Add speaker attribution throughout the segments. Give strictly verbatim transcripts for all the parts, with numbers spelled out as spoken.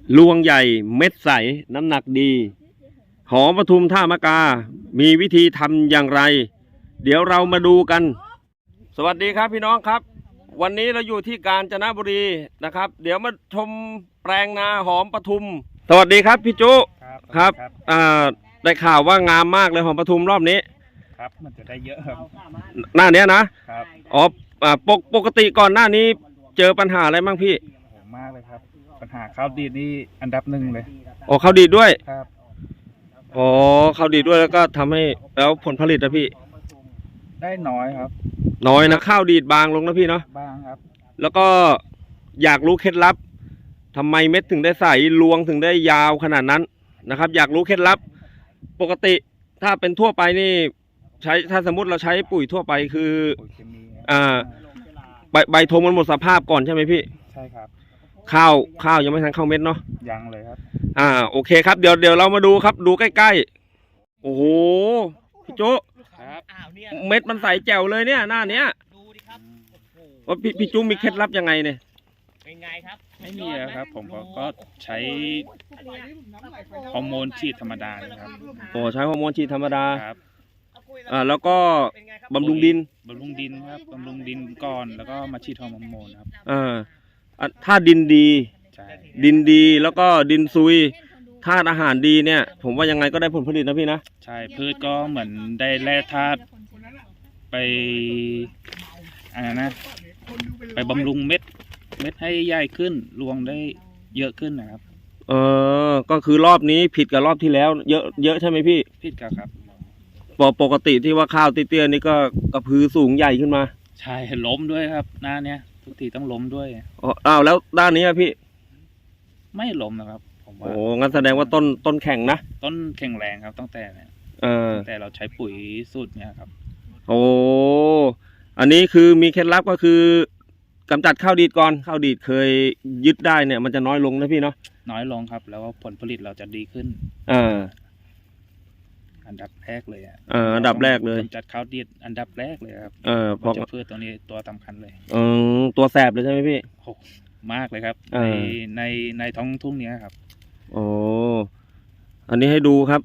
Speaker 1: ลวงใหญ่เม็ดใสน้ำหนักดีหอมปทุมท่ามะกามีวิธีทำอย่างไรเดี๋ยวเรามาดูกันสวัสดีครับพี่น้องครับวันนี้เราอยู่ที่กาญจนบุรีนะครับเดี๋ยวมาชมแปลงนาหอมปทุมสวัสดีครับพี่จุครับอ่าได้ข่าวว่างามมากเลยหอมปทุมรอบนี้
Speaker 2: ครับมันจะได้เยอะครับ
Speaker 1: หน้านี้นะครับอ๋อปกปกติก่อนหน้านี้เจอปัญหาอะไรบ้างพี่
Speaker 2: โหมากเลยครับปัญหาข้าวดีดนี่อันดับหนึ่งเลย
Speaker 1: อ๋อข้าวดีดด้วย
Speaker 2: ครับ
Speaker 1: อ๋อข้าวดีดด้วยแล้วก็ทำให้แล้วผลผลิตนะพี่
Speaker 2: ได้น้อยครับ
Speaker 1: น้อยนะข้าวดีดบางลงนะพี่เนาะ
Speaker 2: บางครับ
Speaker 1: แล้วก็อยากรู้เคล็ดลับทำไมเม็ดถึงได้ใสรวงถึงได้ยาวขนาดนั้นนะครับอยากรู้เคล็ดลับปกติถ้าเป็นทั่วไปนี่ใช้ถ้าสมมติเราใช้ปุ๋ยทั่วไปคืออ่าใบใบธงมันหมดสภาพก่อนใช่ไหมพี่
Speaker 2: ใช่ครับ
Speaker 1: ข้าวข้าวยังไม่ทันเข้าเม็ดเนาะ
Speaker 2: ยังเลยครับ
Speaker 1: อ่าโอเคครับเดี๋ยวเดี๋ยวเรามาดูครับดูใกล้ๆโอ้โหพี่โจเม็ดมันใสแจ๋วเลยเนี่ยหน้าเนี้ย
Speaker 3: ดูดิครับ
Speaker 1: ว่าพี่พี่จุ้มมีเคล็ดลับยังไงเนี่ย
Speaker 3: เป็นไงครับ
Speaker 2: ไม่มีครับผมก็ใช้ฮอร์โมนฉีดธรรมดาครับ
Speaker 1: โอ้ใช้ฮอร์โมนฉีดธรรมดา
Speaker 2: ครับ
Speaker 1: อ่าแล้วก็บำรุงดิน
Speaker 2: บำรุงดินครับบำรุงดินก่อนแล้วก็มาฉีดฮอร์โมนครับ
Speaker 1: อ่าถ้าดินดีดินดีแล้วก็ดินซุยธาตุอาหารดีเนี่ยผมว่ายังไงก็ได้ผลผลิตนะพี่นะ
Speaker 2: ใช่พืชก็เหมือนได้แร่ธาตุไปอะไรนะไปบำรุงเม็ดเม็ดให้ใหญ่ขึ้นรวงได้เยอะขึ้นนะครับ
Speaker 1: เออก็คือรอบนี้ผิดกับรอบที่แล้วเยอะเยอะใช่ไหมพี่
Speaker 2: ผิดกับครับ
Speaker 1: ปกติที่ว่าข้าวเตี้ยๆนี่ก็กระพือสูงใหญ่ขึ้นมา
Speaker 2: ใช่ล้มด้วยครับหน้าเนี้ยทุกทีต้องล้มด้วย
Speaker 1: อ๋ออ้าวแล้วด้านนี้อะพี่
Speaker 2: ไม่ล้มนะครับผมว่า
Speaker 1: โอ้งั้นแสดงว่าต้นต้นแข็งนะ
Speaker 2: ต้นแข็งแรงครับตั้งแต่
Speaker 1: เออ
Speaker 2: แต่เราใช้ปุ๋ยสูตรเนี้ยครับ
Speaker 1: โอ้อันนี้คือมีเคล็ดลับก็คือกำจัดข้าวดีดก่อนข้าวดีดเคยยึดได้เนี่ยมันจะน้อยลงนะพี่เนาะ
Speaker 2: น้อยลงครับแล้วผลผลิตเราจะดีขึ้น
Speaker 1: อ่า
Speaker 2: อันดับแรกเลยอ่ะ
Speaker 1: เอออันดับแรกเลย
Speaker 2: กำจัดข้าวดีดอันดับแรกเลยครับ
Speaker 1: เออเพราะ
Speaker 2: พืชตัวนี้ตัวสำคัญเลย
Speaker 1: เออตัวแสบเลยใช่ไหมพี่
Speaker 2: โอ้มากเลยครับในในในท้องทุ่งนี้ครับ
Speaker 1: โอ้อันนี้ให้ดูครับ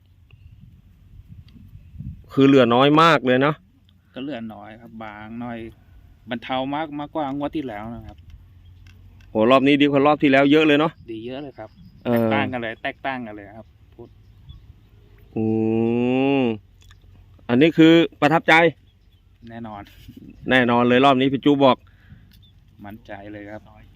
Speaker 1: คือเหลือน้อยมากเลยเนาะ
Speaker 2: ก็เหลือน้อยครับบางน้อยบรรเทามากมากกว่างวดที่แล้วนะครับ
Speaker 1: โหรอบนี้ดีกว่ารอบที่แล้วเยอะเลยเนาะ
Speaker 2: ดีเยอะเลยครับแตกต่างกันเลยแตกต่างกันเลยครับพูด
Speaker 1: อืมอันนี้คือประทับใจ
Speaker 2: แน่นอน
Speaker 1: แน่นอนเลยรอบนี้พี่จูบอก
Speaker 2: มั่นใจเลยครับ